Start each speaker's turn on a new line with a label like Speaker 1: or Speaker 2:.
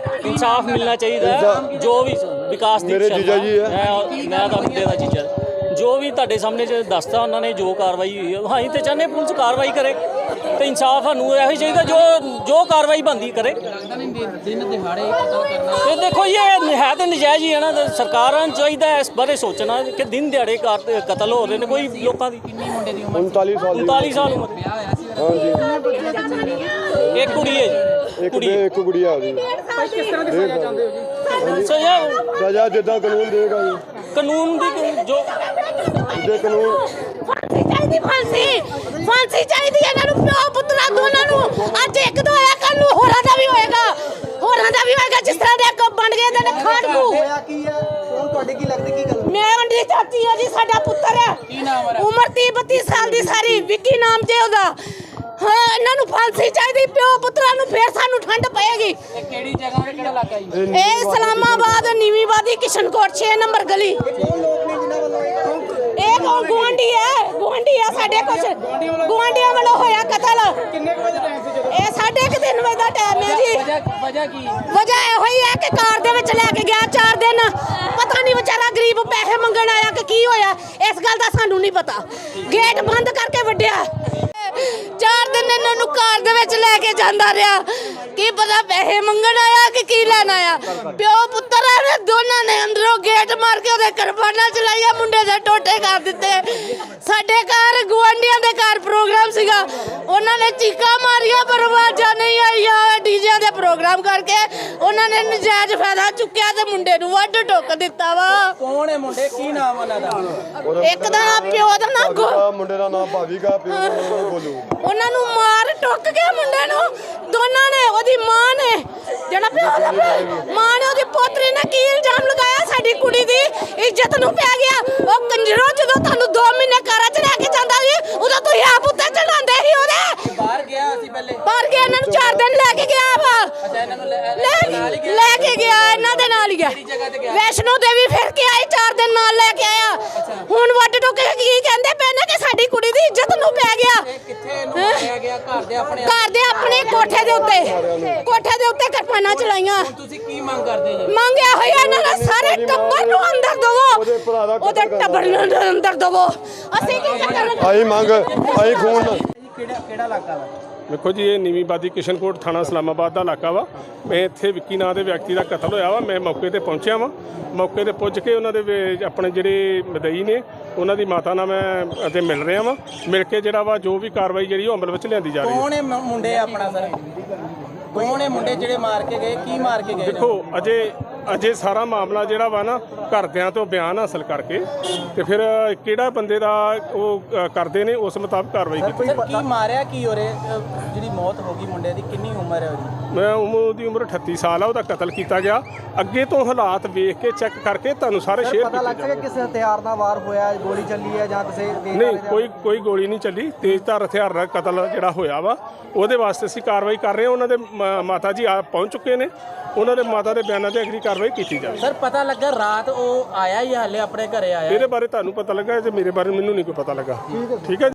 Speaker 1: इंसाफ मिलना चाहिए। जो भी विकास
Speaker 2: मेरे जीजा जी है,
Speaker 1: मैं तो मुंडे का जीजा, जो भी ਤੁਹਾਡੇ ਸਾਹਮਣੇ ਦੱਸਤਾ ਉਹਨਾਂ ਨੇ ਜੋ ਕਾਰਵਾਈ ਹੋਈ ਹੈ ਅਸੀਂ ਤੇ ਚਾਹੁੰਦੇ ਪੁਲਿਸ ਕਾਰਵਾਈ ਕਰੇ ਤੇ ਇਨਸਾਫ ਸਾਨੂੰ ਇਹੋ ਹੀ ਚਾਹੀਦਾ ਜੋ ਕਾਰਵਾਈ ਬਣਦੀ ਕਰੇ। ਤੇ ਦੇਖੋ ਇਹ ਹੈ ਤਾਂ ਨਜਾਇਜ਼ ਹੀ ਹੈ ਨਾ, ਸਰਕਾਰਾਂ ਨੂੰ ਚਾਹੀਦਾ ਇਸ ਬਾਰੇ ਸੋਚਣਾ ਕਿ ਦਿਨ ਦਿਹਾੜੇ ਕਤਲ ਹੋ ਰਹੇ ਨੇ ਕੋਈ ਲੋਕਾਂ ਦੀ। 39 ਸਾਲ ਉਮਰ।
Speaker 2: ਹਾਂਜੀ
Speaker 1: ਇੱਕ ਕੁੜੀ ਹੈ ਜੀ,
Speaker 2: ਇੱਕ ਗੁੜੀਆ ਉਹਦੀ।
Speaker 3: ਕਿਸ ਤਰ੍ਹਾਂ ਦੀ ਸਜ਼ਾ ਚਾਹੁੰਦੇ ਹੋ ਜੀ?
Speaker 2: ਸਜ਼ਾ ਜਿੱਦਾਂ ਕਾਨੂੰਨ ਦੇਗਾ ਜੀ,
Speaker 1: ਕਾਨੂੰਨ ਦੀ ਜੋ
Speaker 2: ਜੇ ਕਾਨੂੰਨ
Speaker 4: ਫਾਂਸੀ ਚਾਹੀਦੀ ਹੈ ਇਹਨਾਂ ਨੂੰ, ਪਿਓ ਪੁੱਤਰਾਂ ਦੋਨਾਂ ਨੂੰ। ਅੱਜ ਇੱਕ ਦਾ ਹੋਇਆ, ਕੱਲ ਨੂੰ ਹੋਰਾਂ ਦਾ ਵੀ ਹੋਏਗਾ, ਜਿਸ ਤਰ੍ਹਾਂ ਦੇ ਅੱਗੋਂ ਬਣ ਗਏ ਨੇ ਖਾੜਕੂ।
Speaker 3: ਹੋਇਆ ਕੀ ਹੈ? ਕੌਣ ਤੁਹਾਡੇ ਕੀ ਲੱਗਦੀ ਕੀ ਗੱਲ?
Speaker 4: ਮੈਂ ਉਹਦੀ ਚਾਚੀ ਹਾਂ ਜੀ, ਸਾਡਾ ਪੁੱਤਰ ਹੈ,
Speaker 3: ਕੀ ਨਾਮ ਹੈ?
Speaker 4: ਉਮਰ 30-32 ਸਾਲ ਦੀ ਸਾਰੀ, ਵਿੱਕੀ ਨਾਮ ਜੇ ਉਹਦਾ। ਹਾਂ ਇਹਨਾਂ ਨੂੰ ਫਾਂਸੀ ਚਾਹੀਦੀ, ਪਿਓ ਪੁੱਤਰਾਂ ਨੂੰ, ਫੇਰ ਸਾਨੂੰ ਠੰਡ ਪਏਗੀ।
Speaker 3: ਇਹ ਕਿਹੜੀ ਜਗ੍ਹਾ ਤੇ ਕਿਹੜਾ ਇਲਾਕਾ ਜੀ?
Speaker 4: ਇਹ ਇਸਲਾਮਾਬਾਦ ਨੀਵੀਂ ਬਾਦੀ ਕਿਸ਼ਨਕੋਟ 6 ਨੰਬਰ ਗਲੀ।
Speaker 3: ਕੌਣ ਲੋਕ ਨੇ ਜਿਨ੍ਹਾਂ ਵੱਲੋਂ
Speaker 4: ਇਹ ਗੁਆਂਢੀ ਹੈ ਸਾਡੇ, ਕੁਛ ਗੁਆਂਢੀਆਂ ਵੱਲੋਂ ਹੋਇਆ ਕਤਲ।
Speaker 3: ਕਿੰਨੇ ਵਜੇ ਟਾਈਮ ਸੀ ਜਦੋਂ?
Speaker 4: ਇਹ 3:30 ਵਜੇ ਦਾ ਟਾਈਮ ਹੈ ਜੀ।
Speaker 3: ਵਜ੍ਹਾ ਕੀ?
Speaker 4: ਵਜ੍ਹਾ ਇਹੋ ਹੀ ਹੈ ਕਿ ਕਾਰ ਦੇ ਵਿੱਚ ਲੈ ਕੇ ਗਿਆ 4 ਦਿਨ, ਪਤਾ ਨਹੀਂ ਵਿਚਾਰਾ ਗਰੀਬ ਪੈਸੇ ਮੰਗਣ ਆਇਆ ਕਿ ਕੀ ਹੋਇਆ, ਇਸ ਗੱਲ ਦਾ ਸਾਨੂੰ ਨਹੀਂ ਪਤਾ। ਗੇਟ ਬੰਦ ਕਰਕੇ ਵੱਢਿਆ। 4 ਦਿਨ ਇਹਨਾਂ ਨੂੰ ਕਾਰ ਦੇ ਵਿੱਚ ਲੈ ਕੇ ਜਾਂਦਾ ਰਿਹਾ, ਕੀ ਪਤਾ ਪੈਸੇ ਮੰਗਣ ਆਇਆ ਕਿ ਕੀ ਲੈਣ ਆਇਆ। ਪਿਓ ਪੁੱਤਰ ਨੇ ਦੋਨਾਂ ਨੇ ਅੰਦਰੋਂ ਗੇਟ ਮਾਰ ਕੇ ਉਹਦੇ ਕਿਰਪਾਨਾਂ ਚਲਾਈਆਂ, ਮੁੰਡੇ ਦੇ ਟੋਟੇ ਕਰ ਦਿੱਤੇ। ਸਾਡੇ ਘਰ ਗੁਆਂਢੀਆਂ ਦੇ ਘਰ ਪ੍ਰੋਗਰਾਮ ਸੀਗਾ, ਉਹਨਾਂ ਨੇ ਚੀਕਾਂ ਮਾਰੀਆਂ ਪਰ ਆਵਾਜ਼ਾਂ ਨਹੀਂ ਆਈਆਂ। ਡੀਜਿਆਂ ਦੇ ਪ੍ਰੋਗਰਾਮ ਕਰਕੇ ਉਹਨਾਂ ਨੇ ਨਜਾਇਜ਼ ਫਾਇਦਾ ਚੁੱਕਿਆ ਤੇ ਮੁੰਡੇ ਨੂੰ ਵੱਢ ਟੁੱਕ ਦਿੱਤਾ ਵਾ।
Speaker 3: ਕੌਣ ਹੈ ਮੁੰਡੇ? ਕੀ ਨਾਮ ਉਹਨਾਂ ਦਾ?
Speaker 4: ਇੱਕ ਦਾ ਨਾਮ ਪਿਓ ਦਾ ਨਾਮ
Speaker 2: ਮੁੰਡੇ ਦਾ ਨਾਮ ਭਾਵੀਗਾ, ਪਿਓ ਦਾ ਨਾਮ ਬੋਲੂ।
Speaker 4: ਉਹਨਾਂ ਨੂੰ ਮਾਰ ਟੁੱਕ ਕੇ ਮੁੰਡੇ ਨੂੰ ਦੋਨਾਂ ਨੇ, ਉਹਦੀ ਮਾਂ ਨੇ, ਜਿਹੜਾ ਪਿਓ ਦਾ ਮਾਂ ਨੇ ਉਹਦੀ ਪੋਤਰੀ ਨੇ ਕੀ ਇਲਜ਼ਾਮ ਲਗਾਇਆ, ਸਾਡੀ ਕੁੜੀ ਦੀ ਇੱਜ਼ਤ ਨੂੰ ਪੈ ਗਿਆ। ਉਹ ਕੰਜਰੋ ਜਦੋਂ ਤੁਹਾਨੂੰ 2 ਮਹੀਨੇ ਘਰਾਂ 'ਚ ਲੈ ਕੇ ਜਾਂਦਾ ਸੀ ਉਦੋਂ ਤੁਸੀਂ ਆਪ ਉੱਤੇ ਚੜਾਉਂਦੇ ਸੀ ਉਹਦੇ।
Speaker 3: ਬਾਹਰ ਗਿਆ ਸੀ ਪਹਿਲੇ?
Speaker 4: ਬਾਹਰ ਗਿਆ, ਇਹਨਾਂ ਨੂੰ 4 ਦਿਨ ਲੈ ਕੇ ਗਿਆ ਵਾ।
Speaker 3: ਅੱਛਾ, ਇਹਨਾਂ ਨੂੰ
Speaker 4: ਲੈ ਕੇ ਗਿਆ, ਇਹਨਾਂ ਦੇ ਨਾਲ ਹੀ ਗਿਆ।
Speaker 3: ਜਗ੍ਹਾ ਤੇ ਗਿਆ?
Speaker 4: ਵੈਸ਼ਨੋ ਦੇਵੀ ਫਿਰ ਕੇ ਆਈ, 4 ਦਿਨ ਨਾਲ ਲੈ ਕੇ ਆਇਆ। ਹੁਣ ਵੱਢ ਟੁੱਕ ਕੇ ਕੀ ਕਹਿੰਦੇ ਪਏ ਨੇ ਕਿ ਸਾਡੀ ਕੁੜੀ ਦੀ ਇੱਜ਼ਤ ਨੂੰ ਪੈ ਗਿਆ।
Speaker 3: ਕਿੱਥੇ ਇਹਨੂੰ ਮਾਰਿਆ ਗਿਆ? ਘਰ ਦੇ ਆਪਣੇ
Speaker 4: ਕੋਠੇ ਦੇ ਉੱਤੇ ਕਿਰਪਾਨਾਂ ਚਲਾਈਆਂ।
Speaker 3: ਤੁਸੀਂ ਕੀ ਮੰਗ ਕਰਦੇ ਜੀ?
Speaker 4: ਮੰਗਿਆ ਹੋਇਆ ਇਹਨਾਂ ਦਾ ਸਾਰੇ ਟੱਬਰ ਨੂੰ ਅੰਦਰ ਦਵੋ, ਉਹਦੇ ਟੱਬਰ ਨੂੰ ਅੰਦਰ ਦਵੋ। ਅਸੀਂ ਕੀ ਕਰਨਾ?
Speaker 2: ਆਈ ਮੰਗ ਆਈ ਖੂਨ।
Speaker 3: ਕਿਹੜਾ ਇਲਾਕਾ ਵਾ?
Speaker 5: देखो जी, ये नीवी बादी किशनकोट थाना इस्लामाबाद का इलाका वा। मैं इत्थे विक्की नाम के व्यक्ति का कतल होया वा। मैं मौके पर पहुँचा वा। मौके पर पुज के उन्होंने अपने जोड़े मदई ने उन्होंने माता नाल मैं मिल रहा वा। मिल के जोड़ा वा जो भी कार्रवाई जी अमल में लिया जा रही है।
Speaker 3: कौन है मुंडे अपना सर? कौन है मुंडे ਜਿਹੜੇ ਮਾਰ ਕੇ ਗਏ? ਕੀ ਮਾਰ ਕੇ ਗਏ?
Speaker 5: देखो अजे सारा मामला जोड़ा वा ना घरदियां तो बयान हासिल करके तो फिर किहड़ा बंदे दा वो करते ने उस मुताबिक कार्रवाई की।
Speaker 3: सर की मारिया की हो रहे जी मौत हो गई मुंडे की? कितनी उम्र है उसकी?
Speaker 5: मैं उमर दी उम्र 38 साल है। उसका कतल किया गया। अगे तो हालात वेख के चेक करके तुहानूं सारे शेयर
Speaker 3: पता लग सके किस हथियार नाल वार होया, गोली चली है जां किसी
Speaker 5: नहीं कोई गोली नहीं चली। तेजधार हथियार का कतल जिहड़ा होया वा ਉਹਦੇ ਵਾਸਤੇ ਅਸੀਂ ਕਾਰਵਾਈ ਕਰ ਰਹੇ ਹਾਂ। ਉਹਨਾਂ ਦੇ ਮਾਤਾ ਜੀ ਆ ਪਹੁੰਚ ਚੁੱਕੇ ਨੇ, ਉਹਨਾਂ ਦੇ ਮਾਤਾ ਦੇ ਬਿਆਨਾਂ ਤੇ ਅਗਲੀ ਕਾਰਵਾਈ ਕੀਤੀ ਜਾਵੇ।
Speaker 3: ਸਰ ਪਤਾ ਲੱਗਾ ਰਾਤ ਉਹ ਆਇਆ ਹੀ ਹਾਲੇ ਆਪਣੇ ਘਰੇ ਆਇਆ?
Speaker 5: ਇਹਦੇ ਬਾਰੇ ਤੁਹਾਨੂੰ ਪਤਾ ਲੱਗਾ ਜੇ ਮੇਰੇ ਬਾਰੇ ਮੈਨੂੰ ਨਹੀਂ ਕੋਈ ਪਤਾ ਲੱਗਾ। ਠੀਕ ਹੈ।